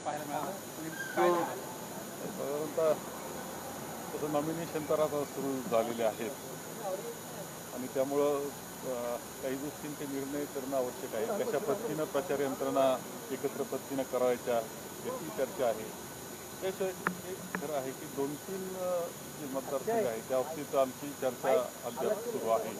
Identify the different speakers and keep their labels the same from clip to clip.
Speaker 1: पाहायला मिळालं. काय सांगाल?
Speaker 2: साधारणतः तसं नॉमिनेशन तर आता सुरू झालेले आहेत आणि त्यामुळं काही गोष्टींचे निर्णय करणं आवश्यक आहे. कशा पद्धतीनं प्रचार यंत्रणा एकत्र पद्धतीनं करायच्या याची चर्चा आहे. त्याशिवाय हे खरं आहे की 2-3 जे मतदारसंघ आहेत त्या बाबतीत आमची चर्चा अद्याप सुरू आहे.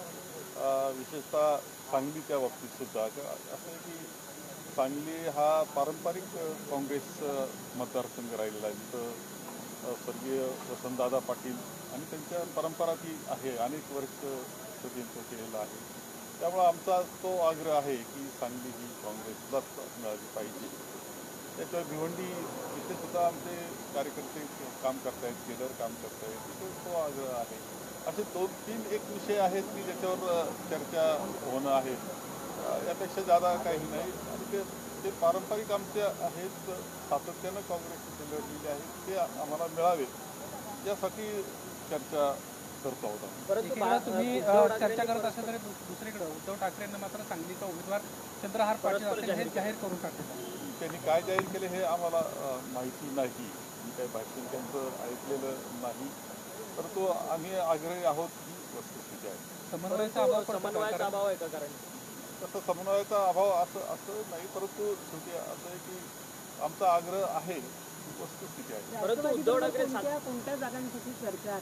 Speaker 2: विशेषतः सांगलीच्या बाबतीत सुद्धा असं आहे की सांगली हा पारंपरिक काँग्रेस मतदारसंघ राहिलेला आहे. तिथं स्वर्गीय वसंतदादा पाटील आणि त्यांच्या परंपरा ती आहे, अनेक वर्ष त्यांचं केलेलं आहे. त्यामुळं आमचा तो आग्रह आहे की सांगली ही काँग्रेसलाच मिळाली पाहिजे. त्याच्यावर भिवंडी इथे सुद्धा आमचे कार्यकर्ते काम करतायत, केडर काम करतायत, तिथे तो आग्रह आहे. असे 2-3 एक विषय आहेत की ज्याच्यावर चर्चा होणं आहे. यापेक्षा जादा काही नाही आणि ते पारंपरिक आमचे आहेत, सातत्यानं काँग्रेसचे लढलेले आहेत, ते आम्हाला मिळावे यासाठी चर्चा करतो आहोत आम्ही.
Speaker 1: एकीकडे तुम्ही चर्चा करत असाल तरी दुसरीकडे उद्धव ठाकरेंना मात्र सांगलीचा उमेदवार चंद्रहार पाटील असेल हे जाहीर करून टाकले.
Speaker 2: त्यांनी काय जाहीर केले हे आम्हाला माहिती नाही. मी काही भाषण त्यांचं ऐकलेलं नाही, परंतु आम्ही आग्रही आहोत ही वस्तुस्थिती आहे.
Speaker 1: समन्वयाचा अभाव आहे का? कारण
Speaker 2: तसं समन्वयाचा अभाव असं नाही, परंतु शेवटी असं आहे की आमचा आग्रह आहे, वस्तुस्थिती आहे.
Speaker 3: परंतु उद्धव ठाकरे कोणत्या जागांसाठी चर्चा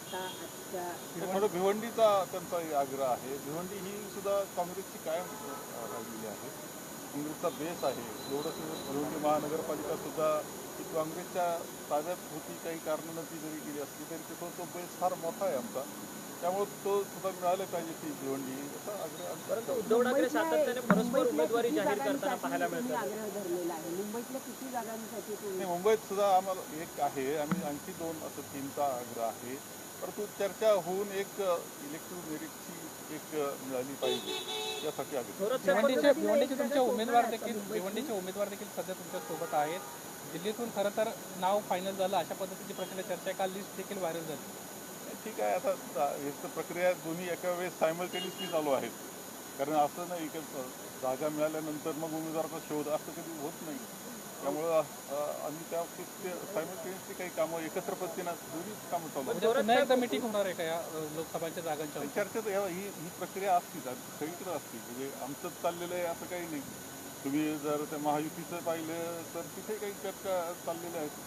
Speaker 2: थोडं भिवंडीचा त्यांचा आग्रह आहे. भिवंडी ही सुद्धा काँग्रेसची कायम राहिलेली आहे, काँग्रेसचा बेस आहे. एवढंच भिवंडी महानगरपालिका सुद्धा ही काँग्रेसच्या ताब्यात होती, काही कारणानं ती जरी गेली असली तरी तिथं तो बेस फार मोठा आहे आमचा. त्यामुळे तो सुद्धा मिळाले पाहिजे ती भिवंडी असा आग्रह.
Speaker 3: परंतु उद्धव ठाकरे सातत्याने परस्पर उमेदवारी जाहीर करताना पाहायला मिळतं. आग्रह धरलेला आहे मुंबईतल्या किती जागांसाठी?
Speaker 2: मुंबईत सुद्धा आम्हाला एक आहे आणि आणखी 2 असं 3चा आग्रह आहे. परंतु चर्चा होऊन एक इलेक्ट्रिक मेरिटची एक मिळाली पाहिजे यासाठी आग्रह.
Speaker 1: भिवंडीचे तुमचे उमेदवार देखील सध्या तुमच्या सोबत आहेत. दिल्लीतून खरं तर नाव फायनल झालं अशा पद्धतीची प्रचंड चर्चा, काल लिस्ट देखील व्हायरल झाली.
Speaker 2: ठीक आहे, आता एक प्रक्रिया दोन्ही एका वेळेस सायमल्टेनियसली चालू आहेत. कारण असं नाही की जागा मिळाल्यानंतर मग उमेदवाराचा शोध असं कधी होत नाही. त्यामुळं आम्ही त्या सायमल्टेनियसली काही कामं एकत्र पद्धतीनं दोन्ही कामं चालू आहेत.
Speaker 1: पुन्हा एकदा मीटिंग होणार आहे का या लोकसभाच्या जागांच्या?
Speaker 2: चर्चेत ही प्रक्रिया असतीच, सगळीकडे असते. म्हणजे आमचं चाललेलं आहे असं काही नाही. तुम्ही जर त्या महायुतीचं पाहिलं तर तिथे काही चर्चा चाललेल्या आहेत.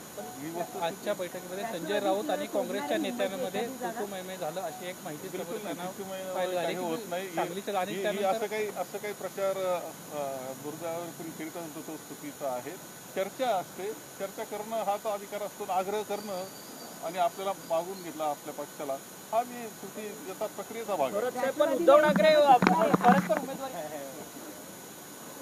Speaker 1: आजच्या बैठकीमध्ये संजय राऊत आणि काँग्रेसच्या नेत्यांमध्ये कुटुंबमय झालं अशी एक माहिती
Speaker 2: होत नाही. असं काही प्रचार दुर्गावर करीत असतो तो चुकीचा आहे. चर्चा असते, चर्चा करणं हाच अधिकार असतो. आग्रह करणं आणि आपल्याला मागून घेतला आपल्या पक्षाला हा मी याचा प्रक्रियेचा भाग आहे.
Speaker 3: उद्धव ठाकरे परस्पर उमेदवारी